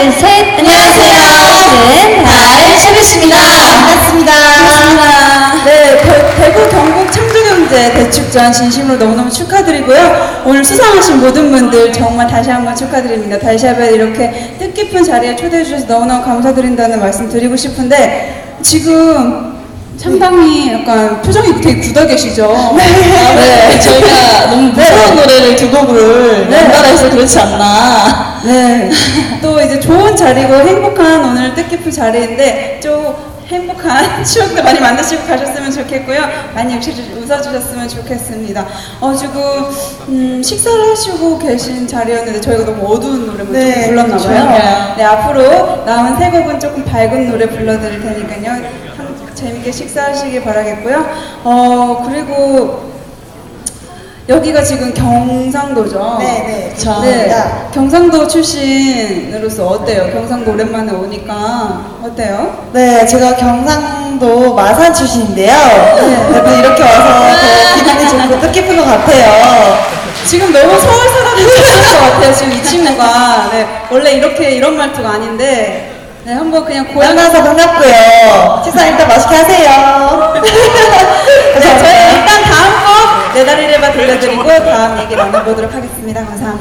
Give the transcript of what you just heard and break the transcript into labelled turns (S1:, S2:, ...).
S1: 둘, 셋. 안녕하세요. 저는 달시루씨입니다.
S2: 반갑습니다.
S3: 네, 대구 경북 창조경제 대축전 진심으로 너무너무 축하드리고요. 오늘 수상하신 모든 분들 정말 다시 한번 축하드립니다. 달샵에 이렇게 뜻깊은 자리에 초대해 주셔서 너무너무 감사드린다는 말씀 드리고 싶은데 지금 상당히 약간 표정이 되게 굳어 계시죠?
S2: 네, 저희가 너무 무서운 노래를 두 곡을 연달아 해서 그렇지 않나.
S3: 네. 또 이제 좋은 자리고 행복한 오늘 뜻깊은 자리인데 좀 행복한 추억도 많이 만드시고 가셨으면 좋겠고요. 많이 웃어주셨으면 좋겠습니다. 지금 식사를 하시고 계신 자리였는데 저희가 너무 어두운 노래만 조금 불렀나 봐요. 네, 앞으로 남은 세 곡은 조금 밝은 노래 불러드릴 테니까요. 재밌게 식사하시길 바라겠고요. 그리고 여기가 지금 경상도죠?
S2: 네.
S3: 경상도 출신으로서 어때요? 경상도 오랜만에 오니까 어때요?
S2: 네, 제가 경상도 마산 출신인데요. 그래도 이렇게 와서 더 기분이 좋고 뜻깊은 것 같아요.
S3: 지금 너무 서울 사람이 되는 것 같아요. 지금 이 친구가. 네, 원래 이런 말투가 아닌데 네, 한번 그냥 고향
S2: 만나서 반갑고요. 식사 일단 맛있게 하세요.
S3: 네, 저희 일단 다음 곡 내 다리를 봐 들려드리고 다음 얘기 나눠보도록 하겠습니다. 감사합니다.